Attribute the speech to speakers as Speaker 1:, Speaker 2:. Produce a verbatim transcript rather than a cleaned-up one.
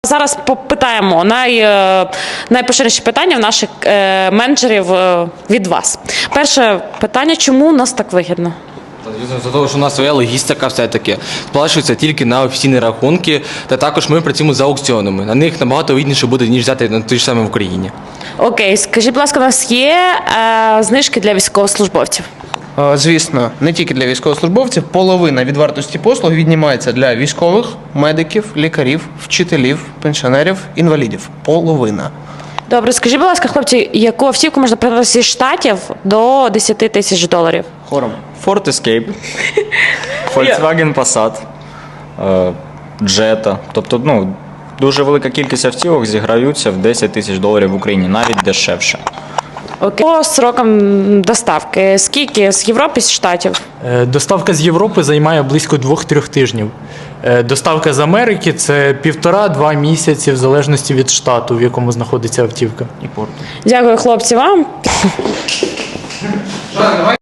Speaker 1: Зараз попитаємо най, е, найпоширеніші питання в наших е, менеджерів е, від вас. Перше питання, чому у нас так вигідно?
Speaker 2: За того, що у нас своя логістика все-таки сплачується тільки на офіційні рахунки, та також ми працюємо за аукціонами. На них набагато вигідніше буде, ніж взяти на той ж самий в Україні.
Speaker 1: Окей, скажіть, будь ласка, у нас є е, знижки для військовослужбовців?
Speaker 3: Е, Звісно, не тільки для військовослужбовців. Половина від вартості послуг віднімається для військових, медиків, лікарів, вчителів, пенсіонерів, інвалідів. Половина.
Speaker 1: Добре, скажіть, будь ласка, хлопці, яку автівку можна придбати зі Штатів до десять тисяч доларів?
Speaker 3: Хором.
Speaker 4: Ford Escape, Volkswagen Passat, е, Jetta. Тобто, ну, дуже велика кількість автівок зіграються в десять тисяч доларів в Україні, навіть дешевше.
Speaker 1: Окей. По срокам доставки, скільки з Європи, з Штатів?
Speaker 5: Е, Доставка з Європи займає близько двох-трьох тижнів. Е, Доставка з Америки – це півтора-два місяці, в залежності від штату, в якому знаходиться автівка.
Speaker 1: Дякую, хлопці, вам.